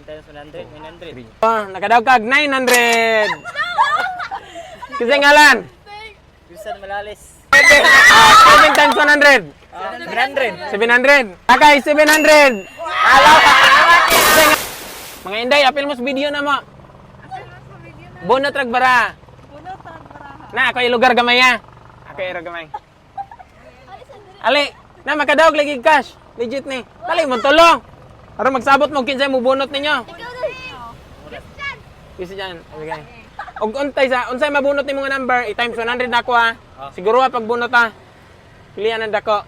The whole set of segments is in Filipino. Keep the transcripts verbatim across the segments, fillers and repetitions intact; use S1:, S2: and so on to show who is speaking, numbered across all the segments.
S1: times one hundred, nine hundred.
S2: Oh, nakadaw kag nine hundred. Kasi ngalan.
S1: Wilson Malalis.
S2: Ah, seven times one hundred.
S1: seven hundred.
S2: seven hundred. Akay, seven hundred. Alaw. Mga Inday, apil mo sa video na mo. Bono trag bara. Na, ako yung lugar gamay ha. Ako yung lugar gamay. Ali, na makadaog lagi cash. Legit ni. Dali mo tulong. Para magsabot mo kinsay mo bunot ninyo. Kasi dyan. Okay. Og untay sa unsay mabunot nimo nga number, i times one hundred nako ha. Siguro ha pagbunot ha. Pilihan ang dako.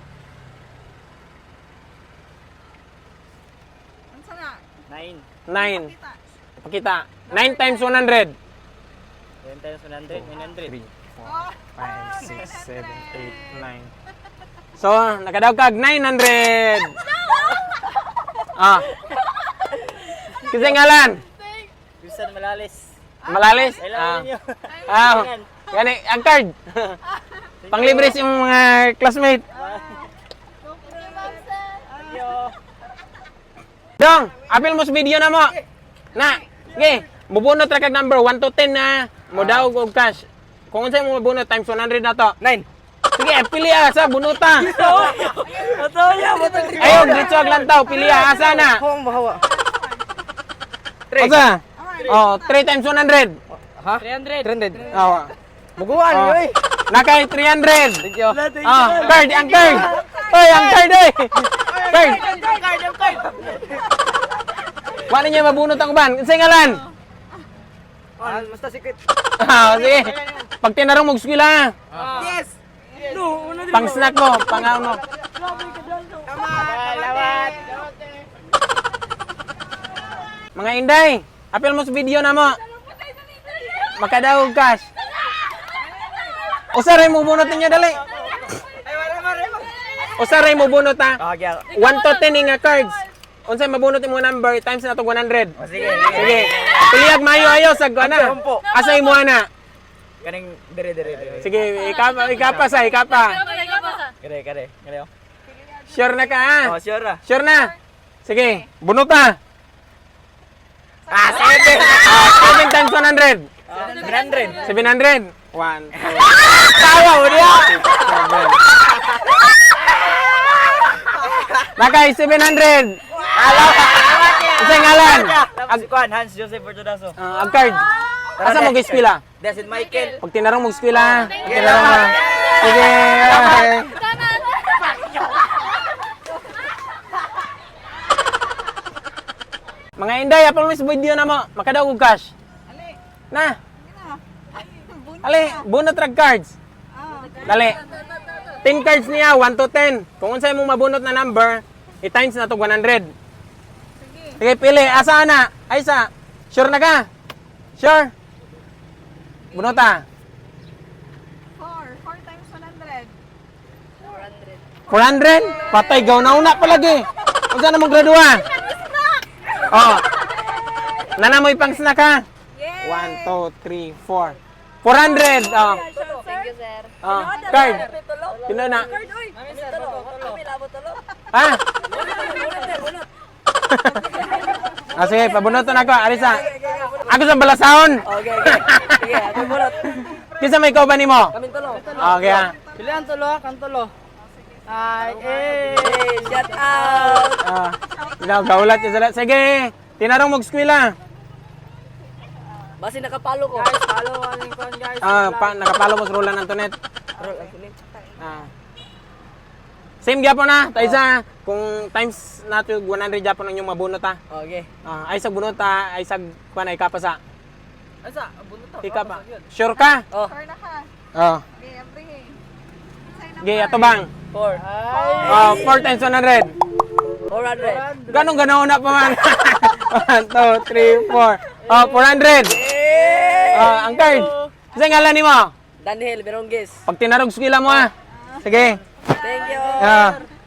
S3: Unsa na?
S1: nine.
S2: nine. Pakita. nine times one hundred.
S1: seven times one hundred, nine hundred.
S2: three, four, five, six, seven, eight, nine. So, nakadaog kag nine hundred. Ah. Kasi ngalan.
S1: Wilson Malalis.
S2: Malalis.
S1: I
S2: Ah.
S1: love you.
S2: Ah. Gani ang card. Panglibre sa imong mga classmate.
S1: Thank you.
S2: Dong, apil mo sa video na mo. Na, sige, mubunot ra kag number one to ten na mo daw og cash. Kung unsay mo mabunot times one hundred na to.
S1: nine.
S2: Sige, pili asa bunuta.
S1: Oto ya, oto.
S2: Ayo, diretso ag lantaw, pili asa na.
S1: Hong bahawa.
S2: Asa? Oh, three times one hundred.
S1: Ha? three hundred. three hundred.
S2: Oh.
S1: Muguan,
S2: Oh.
S1: yoy.
S2: Nakay three hundred.
S1: Thank you.
S2: Ah, card, ang card. Oy, ang card eh. Card.
S1: Card, ang card.
S2: Wala niya mabunot ang uban. Unsay ngalan?
S1: Ah, basta secret.
S2: Ah, sige. Pag tinarong mo eskwela,
S1: Yes. No, una din.
S2: pang snack mo, pang ano.
S1: Lawat.
S2: Mga Inday, apil mo sa video na mo. Makadaog cash. Usaray mo bunot ninyo dali. Usaray mo bunot ha.
S1: Ah, gyal.
S2: one to ten nga cards. Unsay mabunot imong number times na to one hundred.
S1: Oh, sige.
S2: Sige. Piliag mayo ayo sa ana.
S1: Sampo.
S2: Asa imo ana?
S1: Kaning dire dire dire.
S2: Sige, ikapa ikapa sa ikapa.
S1: Kare kare. Kare. oh.
S2: Sure na ka ha?
S1: Oh, sure ra.
S2: Sure na. Sige, bunot ha.
S1: Ah, seven.
S2: Ah, seven times one hundred.
S1: seven hundred.
S2: seven hundred. one, two,
S1: Tawa mo dia.
S2: seven. Nakay seven hundred.
S1: Alaw.
S2: Unsay ngalan?
S1: Ag kuan Hans Joseph Fortunato.
S2: Ah, ang card. Asa mo gispila?
S1: Dasit Michael.
S2: Pag tinarong mo eskwela, pag tinarong mo. Sige. Bye. Mga Inday, apal mo sa video na mo. Makadaw og cash. Na. Ali, bunot rag cards. Dali. ten cards niya, one to ten. Kung unsay mo mabunot na number, i-times na to one hundred. Sige, pili. Asa na? Ay sa. Sure na ka? Sure? Bunota.
S3: four. four times one hundred.
S2: four hundred? Patay, gaw na una palagi. Kung saan na mong gradua? Oh. Nana mo ipang snack ha?
S3: Yes!
S2: one, two, three, four. four hundred. Oh.
S3: Thank you, sir.
S2: Oh. Card. Pino na. Ha? Ah, sige, pabunoton ako. Arisa. Ako sa balasahon.
S1: Okay, okay. Sige, ako bulot.
S2: Kinsa may ikaw ba nimo?
S1: Kaming tulo.
S2: Okay ha.
S1: Pilihan tulo, kan tulo. Ay, eh, shout out.
S2: Ah. Ikaw, gaulat yung salat. Sige. Tinarong mo eskwela.
S1: Basi nakapalo ko. Guys, follow aling kon guys.
S2: Ah, pa, nakapalo mo sa Roland Antoinette. Ah. Same gyapon na, taysa kung times nato one hundred gyapon ang inyong mabunot ha.
S1: Okay.
S2: Ah, ay sa bunot ha, ay sa kuan ay kapasa.
S1: Asa, bunot to.
S2: Ikapa. Sure ka?
S1: Oh,
S3: Sure na ka.
S2: Oh.
S3: Okay, every.
S2: Ge, ato bang?
S1: four. Ay.
S2: Oh, four times one hundred.
S1: four hundred.
S2: Ganong ganaw na pa man. one, two, three, four. Oh, four hundred. Oh, ang card. Kasi ngalan nimo?
S1: Daniel Berongges.
S2: Pag tinarog eskwela mo ha. Sige.
S1: Thank you.
S2: Ah.